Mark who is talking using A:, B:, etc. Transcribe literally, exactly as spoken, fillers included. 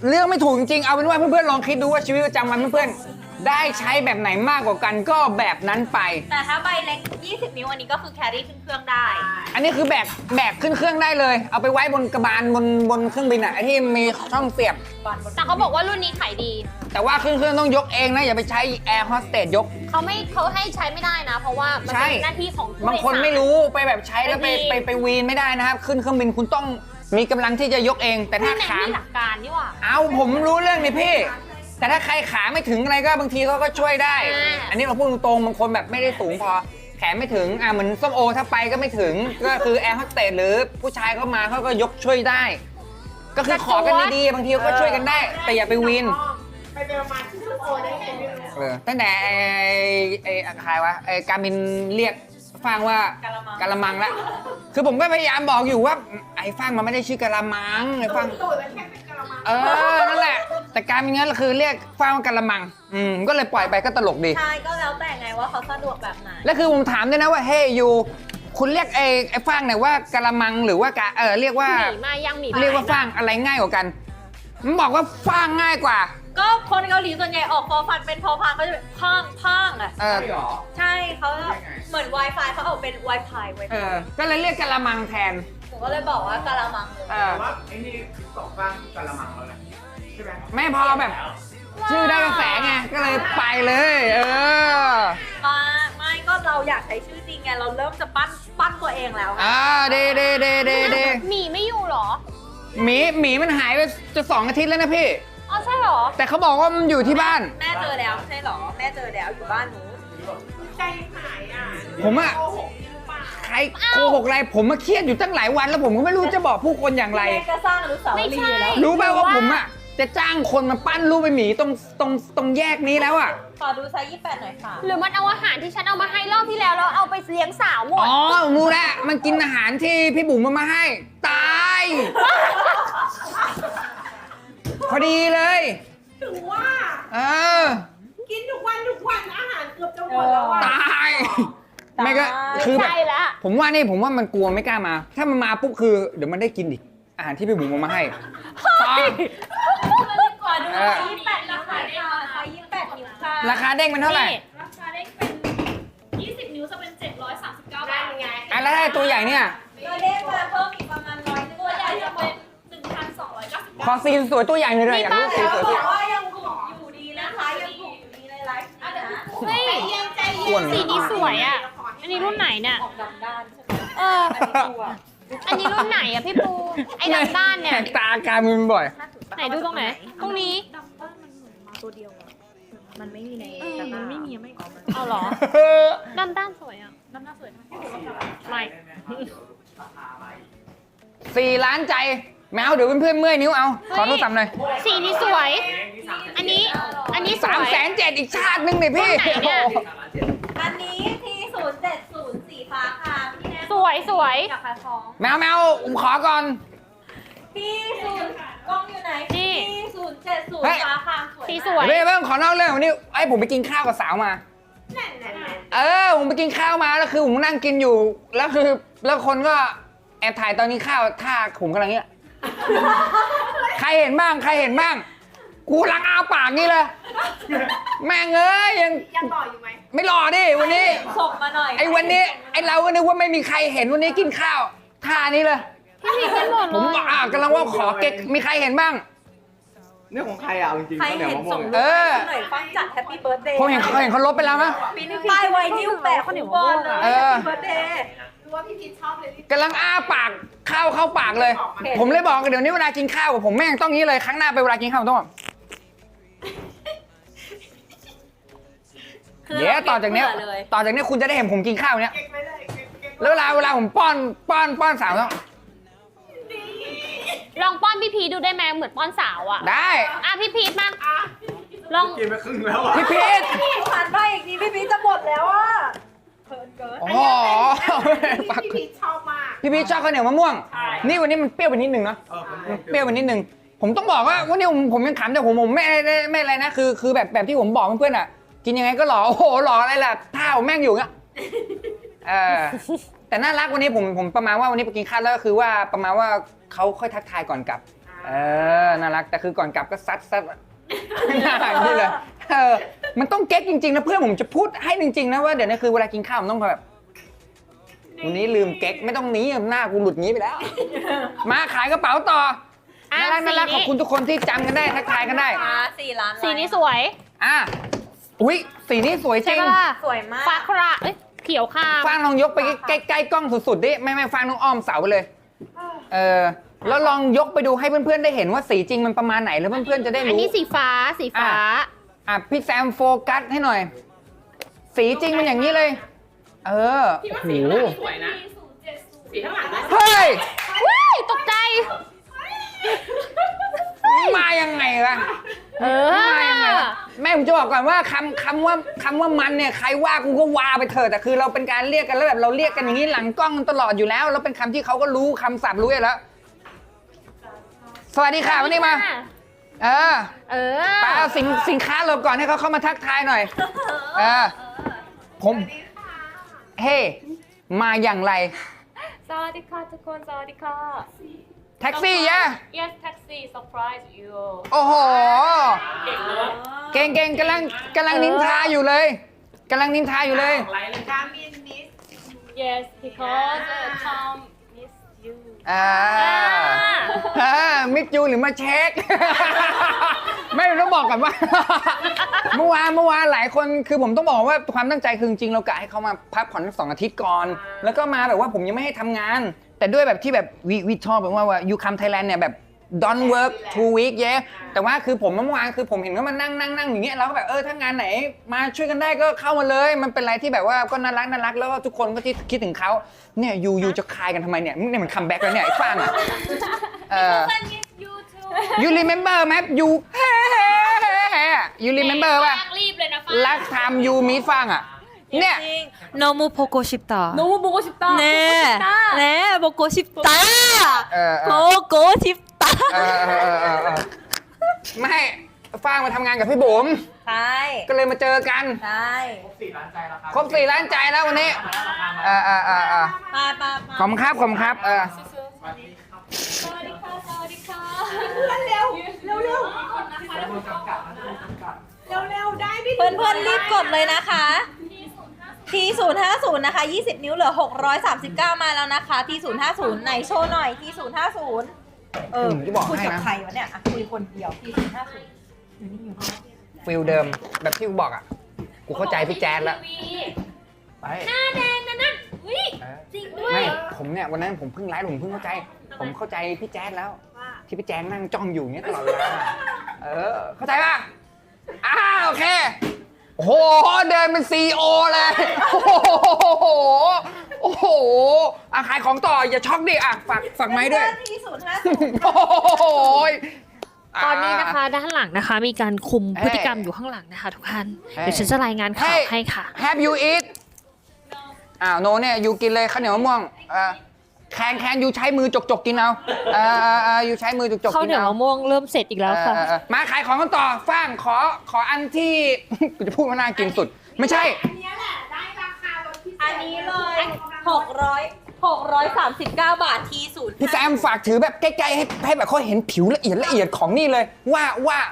A: เรื่องไม่ถูกจริงๆเอาเป็นว่าเพื่อนๆลองคิดดูว่าชีวิตประจำวันเพื่อนๆได้ใช้แบบไหนมากกว่ากันก็แบบนั้นไป
B: แต่ถ้าใบเล็กยี่สิบนิ้วอันนี้ก็คือแครี่ขึ้นเครื่องได้
A: อันนี้คือแบกแบกขึ้นเครื่องได้เลยเอาไปไว้บนกระบาลบนบนเครื่องบินอ่ะที่มีช่องเสียบ
B: แต่เขาบอกว่ารุ่นนี้ขายดี
A: แต่ว่าขึ้นเครื่องต้องยกเองนะอย่าไปใช้แอร์โฮสเตสยก
B: เขาไม่เขาให้ใช้ไม่ได้นะเพราะว่ามันเป็นหน้าที่ของผู้โดยสาร
A: บางคนไม่รู้ไปแบบใช้แล้วไปไปไปวีนไม่ได้นะครับขึ้นเครื่องบินคุณต้องมีกำลังที่จะยกเองแต่ถ้าขา
B: หลักการนี่ว่า
A: เอาผมรู้เรื่องนี่พี่แต่ถ้าใครขาไม่ถึงอะไรก็บางทีเขาก็ช่วยได้อันนี้เราพูดตรงๆบางคนแบบไม่ได้สูงพอแขนไม่ถึงอ่ะเหมือนส้มโอถ้าไปก็ไม่ถึงก็คือแอร์โฮสเตสหรือผู้ชายเข้ามาเขาก็ยกช่วยได้ก็คือขอกันดีๆบางทีก็ช่วยกันได้แต่อย่าไปวีน
C: ไปไปประมาณชั่วโมงได้ไงไม่รู้
A: เออตั้งแต่ไอ้ไอ้ใครวะไอ้การมินเรียกฟังว่ากะละมังละคือผมก็พยายามบอกอยู่ว่าไอ้ฟังมันไม่ได้ชื่อกะละมังไอ้ฟังเออนั่นแหละแต่การมินงั้นคือเรียกฟังว่ากะละมังอืมก็เลยปล่อยไปก็ตลกดี
B: ใช่ก็แล้วแต่ไงว่าเขาสะดวกแบบไหน
A: แล้วคือผมถามด้วยนะว่าเฮ้ยยูคุณเรียกไอ้ไอ้ฟังเนี่ยว่ากะละมังหรือว่ากะเออเรียกว่า
B: หมีมายังหมี
A: เรียกว่าฟังอะไรง่ายกว่ากันมันบอกว่าฟังง่ายกว่า
B: ก็คนเกาหลีส่วนใหญ่ออกฟอฟันเป็นพอพานเขาจะเป็นพังพังอ่ะ
A: เออ
B: ใช่เขาเหมือน Wi-Fi เขาออกเป็น Wi-Fi ไว้
A: เออก็เลยเรียกกะละมังแทน
B: ผมก็เลยบอกว่ากะละมัง
A: เออ
C: ว่าไอ้นี่สองฟังกะละมังแล้วนะใช่ไหม
A: ไม่พอแบบชื่อได้กระแสไงก็เลยไปเลยเออ
B: มาไม่ก็เราอยากใช้ชื่อจริงไงเราเริ่มจะปั้นปั้นตัวเองแล้ว
A: อ่าเดเดเดเดเด
B: หมีไม่อยู่หรอ
A: หมีหมีมันหายไปจะสองอาทิตย์แล้วนะพี่
B: อ๋อใช่หรอ
A: แต่เขาบอกว่ามันอยู่ที่บ้าน
B: แม่เจอแล้วใช่หรอแม่เจอแล้วอยู่บ้านหนู
C: ใจหายอ่ะ
A: ผมอะใครโกหกอะไรผมมาเครียดอยู่ตั้งหลายวันแล้วผมก็ไม่รู้จะบอกผู้คนอย่างไร
B: แม่ก็สร้างอนุสาวรีย์แล้ว
A: รู้ไหมว่าผมอะจะจ้างคนมาปั้นรูปไอ้หมีตรงตรงตรงแยกนี้แล้วอะ
B: ขอดูไซส์ยี่สิบแปดหน่อยค่ะหรือมันเอาอาหารที่ฉันเอามาให้รอบที่แล้วแล้วเอาไปเลี้ยงสาวหมด
A: อ๋อรู้แล้วมันกินอาหารที่พี่บุ๋มมามาให้ตายพอดีเลย
C: ถึงว่า
A: เออ
C: กินทุกวันทุกวันอาหารเกือบจะหมดแล้ว
A: ตายไม่ก็คือแบบผมว่านี่ผมว่ามันกลัวไม่กล้ามาถ้ามันมาปุ๊บคือเดี๋ยวมันได้กินอีกอาหารที่พี่บุ๋มมาให้
B: ขอดูไซส์ยี่สิบแปดราคาเด้งไซส์ยี่สิบแปดนิ้วค่ะ
A: ราคาเด้งเป็นเท่าไหร่
B: ราคาเด้งเป็นยี่สิบนิ้วจะเป็นเจ็ดร้อยสามสิบเก้าบาทไง
A: อ่ะแล้วได้ตัวใหญ่เนี่ย
B: ตัวเด้งมาเพิ่มอีกประมาณร้อยตัวใหญ่จะเป็นหนึ่งพันสองร้อยเก้าสิบ
A: ขอซีนสวยตัวใหญ่เลยอยากรู้ซีนสวยตัว
B: ว่ายังถูกอยู่ดีนะคะยังถูกอยู่ดีในไลฟ์เฮ้ยใจเย็นสีนี้สวยอ่ะอันนี้รุ่นไหนเนี่ยดำด้านใช่ไหมเอออันนี้รุ่นไหนอ่ะพี่ปูไอ้ดำด้านเนี่ย
A: ตาการมึนบ่อย
B: ไหนดูตรงไหนตรงนี้ดำด้านมันเหมือนมาตัวเดียวมันไม่มีในมันไม่มีไม่ออกมาเอาหรอดำด้านสวยอ่ะดำด้านสวยไม่
A: สี่ล้านใจแมวเดี๋ยวเพื่อนๆเมื่อยนิ้วเอาขอโทรศัพท์หน่อย
B: สีนี้สวยอันนี้อันนี้
A: สามแสนเจ็ดอีกชาตินึงเลยพี่
B: อันนี้ทีศูนย์เจ็ดศูนย์สีฟ้าค่ะสวยสวยอยากขายของ
A: แมวแมวผมขอก่อน
B: พี่ศูนย์กล้องอยู่ไหนพี่ศูนย์เจ็ดศูนย์ฟ้าค่ะสวยสีสวย
A: เพื่อนขอนอกเรื่องวันนี้ไอ้ผมไปกินข้าวกับสาวมาเออผมไปกินข้าวมาแล้วคือผมนั่งกินอยู่แล้วคือแล้วคนก็แอบถ่ายตอนนี้ข้าวท่าผมกำลังเนี้ยใครเห็นบ้างใครเห็นบ้างกูลังอ้าปากนี่เลยแม่งเอ้ยยัง
C: ยังหล่ออยู่ไหม
A: ไม่หล่อดิวันนี้
B: ส่งมาหน่อย
A: ไอ้วันนี้ไอ้เราก็นึกว่าไม่มีใครเห็นวันนี้กินข้าวท่านี้เลย
B: พี่มีกันหมดเลย
A: ผมอ่ากำลังว่าขอเก๊กมีใครเห็นบ้าง
C: เนี่ยของใครอ่ะจริงๆ
B: ใครเห็นส่งรูปหน่อยฟังจัดแฮปปี้เบิร์ดเดย์
A: ผมเห็นเขาเห็นเขาลบไปแล้วนะ
B: ป้ายไวนิ้วแปะเขาเหนียวบอลเลยแฮปปี้เบิร์ดเดย์
C: ว่าพี่พีชชอบเลย
A: กำลังอ้าปากข้าวเข้าปากเลยผมเลยบอกเดี๋ยวนี้เวลากินข้าวผมแม่งต้องนี้เลยครั้งหน้าไปเวลากินข้าวต้องเดี๋ยวต่อจากนี้ต่อจากนี้คุณจะได้เห็นผมกินข้าวเนี้ยแล้วเวลาเวลาผมป้อนป้อนป้อนสาวต้อง
B: ลองป้อนพี่พีดูได้ไหมเหมือนป้อนสาวอ่ะ
A: ได้
B: อ่ะพี่พีทมาลอง
C: กินไปครึ่งแล้วอ่ะ
A: พี่พีท
B: พี่ผ่านไปอีกทีพี่พีทจะหมดแล้วอ่ะ
A: อ๋อ
C: พี่พีชชอบมาก
A: พี่พีชชอบข้าวเหนียวมะม่วงนี่วันนี้มันเปรี้ยวไปนิดนึงนะเปรี้ยวไปนิดนึงผมต้องบอกว่าวันนี้ผมผมยังขำแต่ผมผมไม่ไม่อะไรนะคือคือแบบแบบที่ผมบอกเพื่อนๆอ่ะกินยังไงก็หล่อโอ้โหหล่ออะไรล่ะท่าผมแม่งอยู่เงี้ยเออแต่น่ารักวันนี้ผมผมประมาณว่าวันนี้ไปกินข้าวแล้วก็คือว่าประมาณว่าเขาค่อยทักทายก่อนกลับเออน่ารักแต่คือก่อนกลับก็ซัดซัดหน้าอย่างนี้เลยเออมันต้องเก๊กจริงๆนะเพื่อนผมจะพูดให้จริงๆนะว่าเดี๋ยวนี้คือเวลากินข้าวมันต้องแบบวันนี้ลืมเก๊กไม่ต้องหนีหน้ากูหลุดงี้ไปแล้ว มาขายกระเป๋าต่อ
B: อ่ะ
A: น่ารักน่ารัก
B: สีนี้
A: ขอบคุณทุกคนที่จำกันได้ทักทายกันได้
D: สี่ล้าน
B: สีนี้สวย
A: อ่ะอุ้ยสีนี้สวยจ
B: ใช่
A: ริง
B: ปะล่ะ
D: สวยมาก
B: ฟ้าคราเอ้ยเขียวคราม
A: ฟางลองยกไปใกล้ใกล้ๆกล้องสุดๆดิไม่ไม่ฟางน้องอ้อมเสาไปเลยเออแล้วลองยกไปดูให้เพื่อนๆได้เห็นว่าสีจริงมันประมาณไหนแล้วเพื่อนๆจะได้
B: อัน
A: รู้
B: นี้สีฟ้าสีฟ้า
A: อ่ะพี่แซมโฟกัสให้หน่อย สีจริงมันอย่างนี้เลย เออ
C: พี่
A: โอ้
C: ว่า
A: โห
C: สีข้างหลังสวยนะ สีข้างหลังนะ
A: เฮ้ย
B: ว้ายตกใจ
A: มายังไงวะ
B: เออ
A: มายังไงวะแม่ผมจะบอกก่อนว่าคำคำว่าคำว่ามันเนี่ยใครว่ากูก็ว่าไปเถอะแต่คือเราเป็นการเรียกกันแล้วแบบเราเรียกกันอย่างนี้หลังกล้องตลอดอยู่แล้วแล้วเป็นคำที่เขาก็รู้คำศัพท์รู้อยู่แล้ว สวัสดีค่ะวันนี้มา เออ
B: เออ
A: ไปเอาสินสินค้าเราก่อนให้เขาเข้ามาทักทายหน่อย เออ ผม เฮ้ มาอย่างไร
E: สวัสดีค่ะทุกคนสวัสดีค่ะ
A: แท็กซี่ยะ
E: Yes taxi surprise you
A: โอ้โห
C: เก่งเนอะ
A: เก่งเก่งกำลังกำลังนินทาอยู่เลยกำลังนินทาอยู่เลย
C: ไลน์เลย
D: กามินมิส
E: Yes because uh, Tom miss you
A: อ่าอ่ามิดยูหรือมาเช็ค ไม่ต้องบอกก่อนว่า เมื่อวานเมื่อวานหลายคนคือผมต้องบอกว่าความตั้งใจคือจริงๆเรากะให้เขามาพักผ่อนสักสองอาทิตย์ก่อน แล้วก็มาแบบว่าผมยังไม่ให้ทำงาน แต่ด้วยแบบที่แบบวิวิชอบแบบว่าว่า you come Thailand เนี่ยแบบ don't work two week yeah แต่ว่าคือผมเมื่อวานคือผมเห็นว่ามันนั่งนั่งนั่งอย่างเงี้ยเราก็แบบเออถ้างานไหนมาช่วยกันได้ก็เข้ามาเลย มันเป็นอะไรที่แบบว่าก็น่ารักน่ารักแล้วก็ทุกคนก็ที่คิดถึงเขาเนี่ยยูยูจะคายกันทำไมเนี่ยเนี่ยมันคัมแบ็กแล้วเนี่ยไอ้ฟางอ่ะเออ
E: I miss you too
A: you remember ไหม you you remember ป่ะ
E: ฟางรีบเลยนะฟาง
A: last time you meet ฟางอ่ะเนี่ย
D: 너무 보고 싶다.
E: 너무 보고 싶다
D: 네, 네, 보고 싶다.
A: เออเออ
D: 보고 싶다.
A: เออเออเออเออเออไม่ฟางมาทำงานกับพี่บุ๋ม
D: ใช่
A: ก็เลยมาเจอกัน
D: ใช่
C: ครบสี่ล้านใจแล้วครับ
A: ครบสี่ล้านใจแล้ววันนี้
C: มาแล้วราคามา
A: เออเออเออเออ
D: มามามา
A: ขอบคุณครับขอบคุณครับเออ
C: สวัสดีครับ
E: สวัสดีค่ะสวัสดีค่ะ
D: เร็วเร็วเร็ว
C: แล้วโดนจำกัดนะโดนจำกัด
D: เร็วเร็วได้พี่เพื่อนเพื่อนๆรีบกดเลยนะคะ ทีศูนย์ห้าศูนย์นะคะยี่สิบนิ้วเหลือหกร้อยสามสิบเก้ามาแล้วนะคะทีศูนย์ห้าศูนย์ไหนโชว์หน่อยทีศูนย์ห้าศูนย์เออ
A: ผมจะบอก
D: คุย
A: ให้
D: กับ
A: นะ
D: ใครวะเนี่ยอ่ะคุยคนเดียวทีศูนย์ห้าศูนย์อยู่นี่อยู่นี่
A: ฟิลเดิมแบบที่กูบอกอ่ะ กูเข้าใจพี่แจ๊ดแล้ว ไป
E: หน้าแดงนะนั่นอุ้ย
A: เออ
E: จริงด้วย
A: ไม่ผมเนี่ยวันนั้นผมเพิ่งไลฟ์ผมเพิ่งเข้าใจ ผมเข้าใจพี่แจ๊ดแล้ว ที่พี่แจ๊ดนั่งจ้องอยู่อย่างเงี้ยตลอดเวลาเออ เข้าใจป่ะอ้าวโอเค โอ้โห เดินเป็นซีโอเลย โอ้โห โอ้โหอ่ะขายของต่ออย่าช็อกดิอ่ะฝากฝากไม้ด้วย
D: ทีศูนย์ห้าศูนย์
A: โอ้โห
E: ตอนนี้นะคะด้านหลังนะคะมีการคุม
A: เฮ้ย
E: พฤติกรรมอยู่ข้างหลังนะคะทุกท่าน
A: เฮ้ย
E: เดี๋ยวฉันจะรายงานข่าวให้ค่ะ
A: Have you eat อ้าวโนเนี่ยยูกินเลยข้าวเหนียวมะม่วงเออแคนแคนยูใช้มือจกจกๆกินเอาเออเออเออยูใช้มือจกจกๆ
E: ข้าว
A: กิน
E: เหนียว
A: เอา
E: มะม่วงเริ่มเสร็จอีกแล้วค่ะ
A: เออเออเออมาขายของกันต่อฟ้างขอขออันที่ กูจะพูดว่าน่ากินสุด ไม่ใช่
D: อันนี้เลยหกร้อยหกร้อยสามสิบเก้าบาททีศูนย์
A: พี่แซมฝากถือแบบใกล้ๆให้ให้แบบเขาเห็นผิวละเอียดละเอียดของนี่เลย ว่าว่า